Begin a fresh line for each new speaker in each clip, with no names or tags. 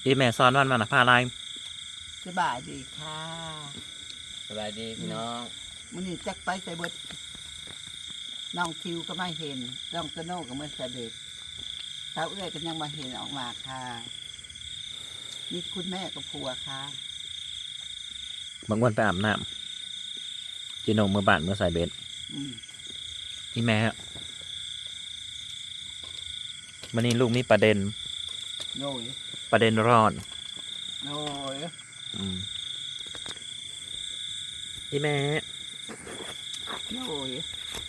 อีแม่ซ้อนวันมานะพาอะไร
สบายดีค่ะ
สบายดีพี่น้อง
มื้อนี้จักไปใส่เบิดน้องคิวก็ไม่เห็นน้องโตโน่ก็ไม่ใส่เบ็ดเท้าเอื้อยก็ยังมาเห็นออกมาค่ะนี่คุณแม่กับผัวค่ะ
บางวันไปอาบน้ำจีโนมือบานเมื่อใส่เบสอีแม่วันนี้ลูกมีประเด็น
โน่ย
ประเด็นร้อน
โน่ย
อีแม่
โน่ย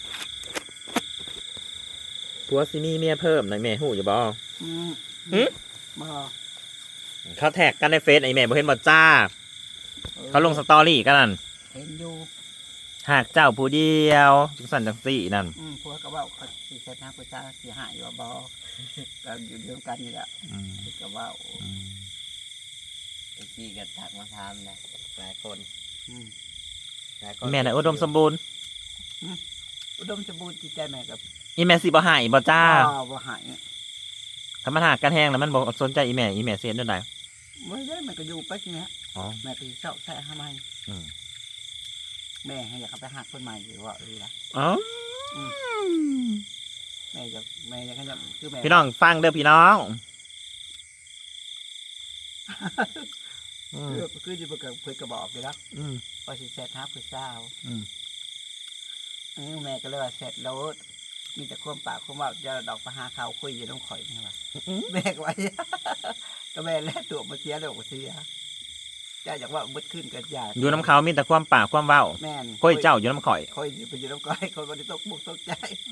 ผัวซิมีเมียเพิ่มหน่อยแม่หูอย่าบอก
บ่
เขาแท็กกันในเฟซไอแม่บ่เห็นบ่จ้าเขาลงสตอรี่กันนั่น
เห็นอยู่
หากเจ้าผู้เดียวจังสันจังสี่นั่น
ผัวก็ว่าเขาสิเสร็จนะผู้จ้าสิหายอยู่บ่ก็อยู่เดียวกันนี่แหละก็ว่า
ไอ้ที่กระถักมาทำนะหลายคน
แม่น่ะอุดมสมบูรณ์
อุดมสมบูรณ์จิตใจแม่กับ
อีแม่สิบ่หายบ่จ้า
บ่หาย
ถ้ามันหากกันแห้งแล้วมันบ่สนใจอีแม่เสียด้วยไหน
ไม่ได้มันก็อยู่ไปทีนี้แม่ไปเช่าใช้ทำไมแม่ให้อยากไปหาคนใหม่หรือว่าอะไรล่ะแม่จะคือแม่
พี่น้องฟังเด้อพี่น้อง
คือจะเพื่อกระบอกเลยนะพอสิเสร็จทับคือเศร้าแม่ก็เลยว่าเสร็จแล้วมีแต่ความปากความว่าจะดอกประหาเขาคุยอยู่ต้องข่อยนี่ว่ะแม่ก็ว่าก็แม่แลกตัวมาเสียเลยมาเสียจะอยากว่ามืดขึ้นกันยา
อยู่น้ำเขามีแต่ความปากความเว้า
แม่น
คุยเจ้าอยู่น้ำข่อย
คุยไปอยู่น้ำข่อยคนวันนี้ตกบุกตกใจ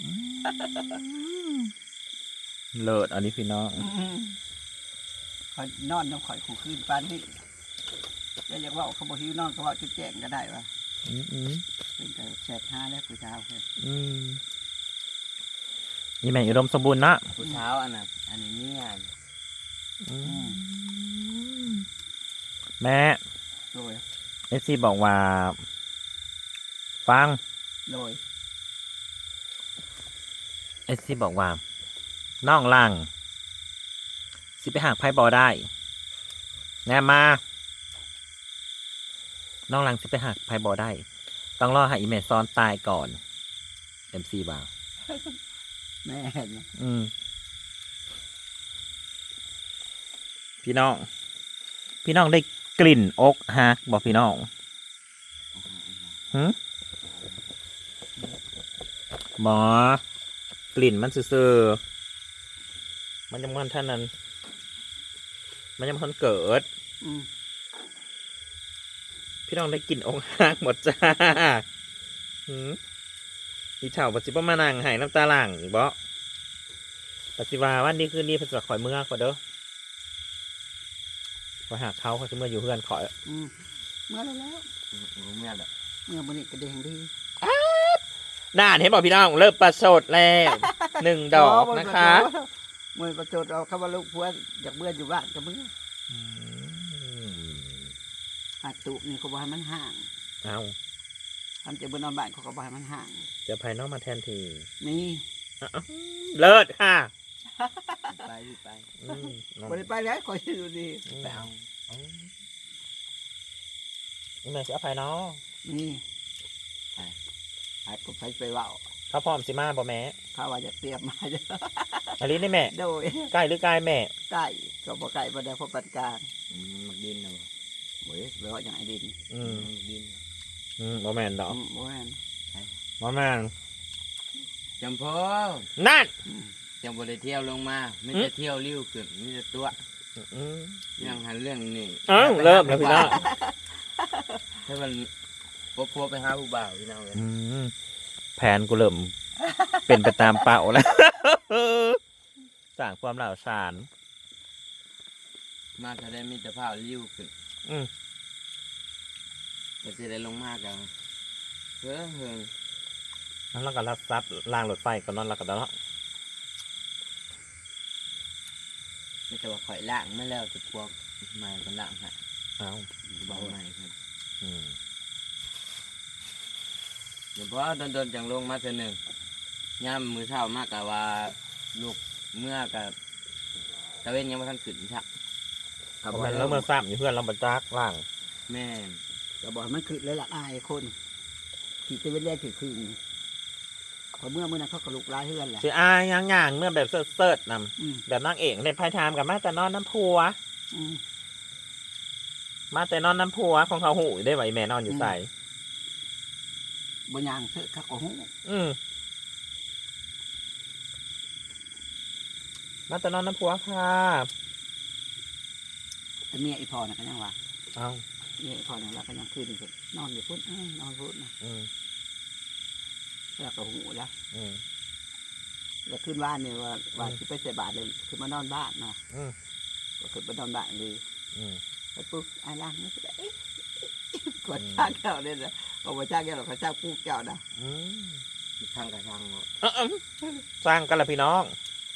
เลิศอันนี้พี่น้อง
คอยนอนน้ำข่อยขู่ขึ้นปานนี่จะอยากว่าเขาบอกหิวนอนเขาว่าจุดแจ้งก็ได้ว่ะเป็นแต่แสบห้าแล้วผู้เช้าเลย
นี่แม่อุดมสมบูรณ์นะ
ผู้เช้าอันนี้เนี่ย
แม่เอฟซีบอกว่าฟัง
โดย
เอฟซีบอกว่าน้องลังสิไปหากไพ่บอได้แน่มาน้องลังสิไปหากไพ่บอได้ต้องรอให้อีเมซซ้อนตายก่อนเอ็มซีบอก
แม่
พี่น้องได้กลิ่นอกฮักบอกพี่น้องหมอกลิ่นมันซื่อมันยังมันท่านนั้นมันยังมันเกิดพี่น้องได้กลิ่นอกฮักหมดจ้าอีเถ่าปัจจุบันมานั่งหายน้ำตาหลั่งอีกบ่ปัจจุบันวันนี้คืนนี้เพิ่นจะข่อยเมื่อกว่าเด้อไปหาเขาจะเมื่ออยู่เพื่อนขอ
เมื่อแล้ว
เมื่อแล้ว
มันนี่กระเด้งดี
น่าเห็นบอกพี่น้องเริ่มประสดแล้ว1 ดอกนะคะ
เมื่อประสดเราเข้ามาลูกพัวอยากเบื่ออยู่บ้านจะเบื่อหัดตุนี่เขาบอกให้มันห่าง
เอา
ทำจะเบื่อนอนบ้านเขาก็บอกให้มันห่าง
จะภายนอกมาแทนที
นี่
เลิศค่ะ
ไป
ไปแล้วคอยดูดี
ไปเอา
แม่จะเอาภายนอก
นี่ให้ผมไปว่า
เขาพร้อมสิมาบ่แม่
เขาว่าจะเตรียมมาจะ
อันนี้นี่แม่
โดย
ใกล้หรือไกลแม่
ใกล้ก็บ่ไกลบ่ได้พบปันกลาง
มันดินเนาะ
เว้ยเรื่องอย่างไอ้ดิน
ดิน
บ่แม่นดอก
บ่แม่น
บ่แม่น
จำพอ
นั่น
จังบ่ได้เที่ยวลงมาไม่ได้เที่ยวลิ้วขึ้นมีแต่ตัวยังหันเรื่องนี่
เริ่มแล้วพี่น้อง
ให้มันพัวไปหาผู้บ่าวพี่น้องเลย
แผนกูเริ่มเป็นไปตามเป้าแล้วสร้างความเหล่าสาร
มาถ้าได้มีแต่ผ้าลิ้วขึ้นก็จะได้ลงมากกันเฮ้ย
แล้วก็รับซับล่างรถไฟก่อนนอนแล้วก็เนาะ
ไม่แต่ว่าข่อยล่างไม่แล้วแต่พวกใหม่ก็ล่างฮะเบาใหม่ครับเดี๋ยวพอโดนจังลงมาเท่านึงย่ำมือเท้ามากกับว่าลูกเมื่อกับตะเวนยังไม่ทันขึ้นชักครับ
มันแล้วเมื่อซ้ำอยู่เพื่อนเราบัจักล่าง
แม่น
ก็บอกมันคือเลยหลักอายคนขี่ตะเวนแรกคือพอเมื่อนั้นเขาก็ลุกร้ายเฮือนแหละ
สิอายย่างๆเมื่อแบบเสิร์ชน
อืม
ำแบบนางเอกในไพ่ไทม์กับมาแต่นอนน้ำพัว
อืม
มาแต่นอนน้ำพัวของเขาหูได้ไหวแม่นอนอยู่ใส่
บนยางเถอะเขาก็หู
มาแต่นอนน้ำพัวค่ะ
แต่เมียอีพอน่ะก็ยังว่า
เอา
เมียอีพอน่ะเราก็ยังคืนอยู่นอนอยู่พุ่นนอนพุ่นนะ
อืม
แล้วก็หูแล้ว
อืม
แล้วขึ้นบ้านเนี่ยว่าที่ไปใส่บาตรเลยคือมานอนบ้านนะ
อืม
ก็คือมานอนบ้านเลย
อืม
แล้วปุ๊บไอ้ล่างนี่ก็เอ๊ะกดจ้างแก้วเนี่ยนะบอกว่าจ้างแก้วหรอกเขาจ้างปูแก้วนะ
อืม
ช่างกับช่างเนาะ
สร้างกันละพี่น้อง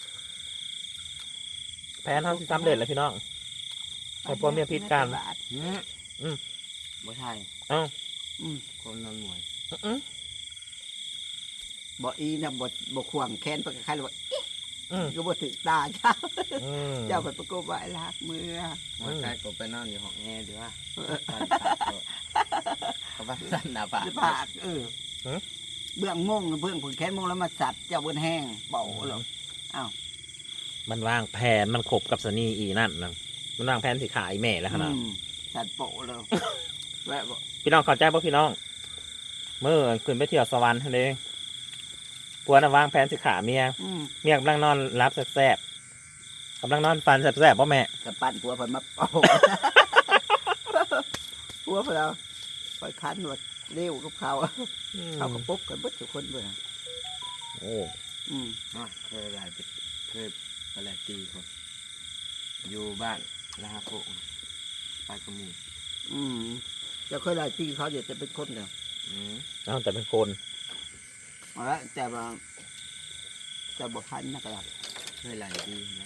แผนเขาสิสำเร็จแล้วพี่น้อง ให้พวกเมียพิษกัน
บ่ใช่
เอ้า
อืม
คนนอนหมวย
อืม
บอกอีนะบอกขวางแค้นไปกับใครเลยว่า
อืม
ก็บอกถึงตาเจ้า
อืม
เจ้าไปประกบไว้รักมือ
มาใกล้ก็ไปนอนอยู่ห้องแอร์ดีว่าเขาไปสั่นหน้าผาก
จะปากเบื้องมงเบื้องผลแค้นมงแล้วมาสัตว์เจ้าบนแห้งเบาหรออ้าว
มันวางแผนมันขบกับสนีอีนั่นนะมันวางแผนสิขายแม่แล้วขนาด
สัตว์โปะเลยแวะบอก
พี่น้องเข้าใจป่ะพี่น้อง เมื่อขึ้นไปเที่ยวสวรรค์ทะเลปัวน่ะวางแผนสิขาเมีย เมียกำลังนอนรับแซ่บๆกำลังนอนฟันแซ่บๆป่ะแม่
สปั่นผัวเพิ่นมาโอ้ผัวเพิ่นเราไปคันหนวดเร็วกับเขาเขาก็ปุ๊บกันเบิดทุกคนเบื่อ
โอ้
เคยหลายปีเคยหลายปีคนอยู่บ้านนะฮะพวกไปกระมู
จะเคยได้ตีเขาเดี๋ยวจะเป็นคนเดียว
เอาแต่เป็นคน
เอาละแต่ว่าจะบอกคันนะครับ
เคยหลายปีนะ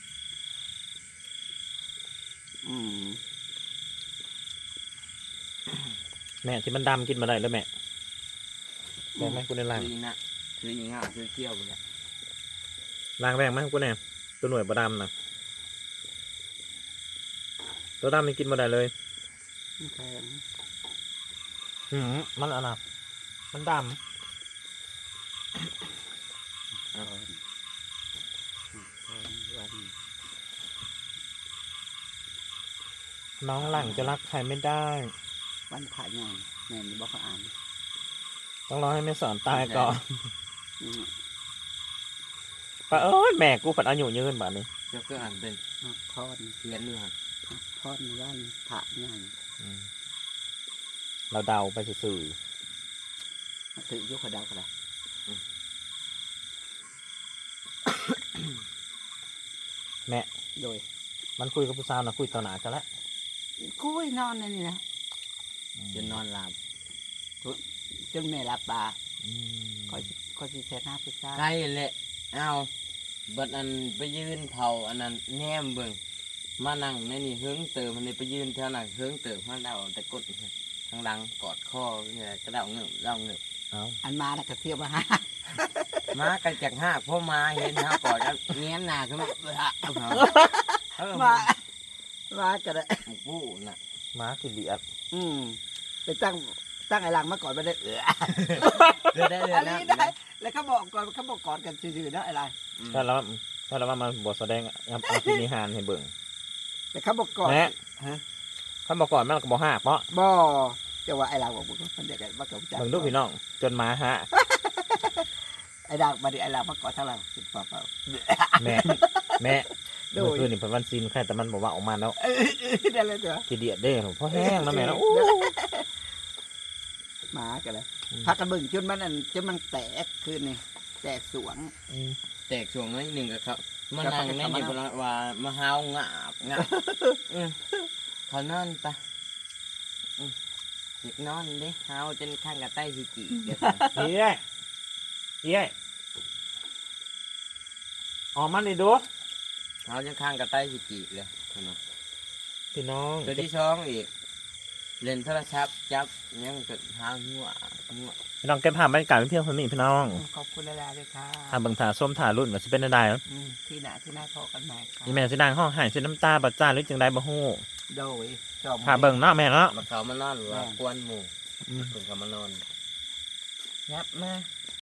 แม่ที่มันดำกินมาได้แล้วแม่แม่แม่กูในล่าง
คือนะคืออีง่าคือเที่ยวไปแล้ว
ล่างแรงไหมกูเนี่ยตัวหน่วยประดำนะตัวดำนี่กินมาได้เลย
แพง
มันอะไรมันดำน้องหลังจะรักใครไม่ได้
วันผ่านยังแม่นี่บอกเขาอ่าน
ต้องรอให้แม่สอนตายก่อน
อืม
ปะแม่กูผัดอายุยืนแบบนี้
เจ้าก็อ่านเป็น
ทอด
เขียนด้วยฮะ
ทอดวันผ่านยัง
เราเดาไปสื่อ
ถือยกกระดาวกระดาษ
แม่
โดย
มันคุยกับผู้สาวนะคุยต่อหนากันแล้ว
กุ้ยนอนในนี่นะ
จนนอนหลับ
จนแม่รับตาคอยสิแช่หน้าไปซ่า
ใกล้แหละเอาบัดอันไปยืนเผาอันนั้นแนมเบิ่งมานั่งในนี่เฮิงเติมมันนี่ไปยืนแถวนั้นเฮิงเติมมันเดาแต่กดทางหลังกอดคอเนี่ยก็เดาเงือบเดาเงือบ
เอา
อันมาแล้วก็เที่ยวมาหา
มากันจากห้าพ่อมาเห็นฮะกอดกันเงี้ยหน้าขึ้นมา
มาก็ได้
ผู้น่ะ
ม้ากินเดียด
ไปตั้งไอ้หลังมาก่อนไม่ได้
ได้
อันนี้ได้แล้วเขาบอกก่อนกันซื่อๆนะไอ้หลัง
ถ้าเรามาบทแสดงเอาพินิหารให้เบิ่ง
แต่เขาบอกก่อน
แม่เขาบอกก่อนมันก็บอกหักเพราะ
บ่จะว่าไอ้หลังบอกมันเด็ดมากับจั
เบิ่งลูกพี่น้อง จนม้าฮะ
ไอ้หลังมาดิไอ้หลังมาก่อนเท่าไหร่สิบเปล่า
แม่เมื่อคืนนี่เป็นวันซินแค่แต่มันบอกว่าออกมาแล้ว
ได้เลยเถอะ
กินเดียดเด้อเพราะแห้งนะแม่แล้ว
หมากันเลยพักกันบึ่งจนมันแตกคืนนี่แตกสวง
แตกช่วงน้อยหนึ่งก็ครับมานั่งในนี่เพราะว่ามาหาวงาบเขานอนปะอยากนอนดิหาวจนข้างกับใต้หิจิเดี๋ยว
เฮ้ยออกมาดิดู
หาวจนข้างกับใต้หิจิเลย
พี่น้อง
ตัวที่สองอีกเล่นโทรศัพท์จับยังเกิดหาวหัว
พี่น้องเก็บภาพบรรยากาศเพียงเท่านี้พี่น้อง
ขอบคุณหลายๆเลยค่ะ
ถ้าเบิ่งถ่าส้มถ่ารุ่นว่าสิเป็นได้
ที่หน้าที่หน้าพอกันใหม่ค่ะ
อีแม่สิดังห้องหายสิน้ำตาบ่จ้าหรือจังใดบ่ฮู้
โดยจอม
ถ้าเบิ่งเนาะแม่เนาะ
มาเขามานอนหรือว่ากวนหมู่เพิ่นเขามานอนยับมา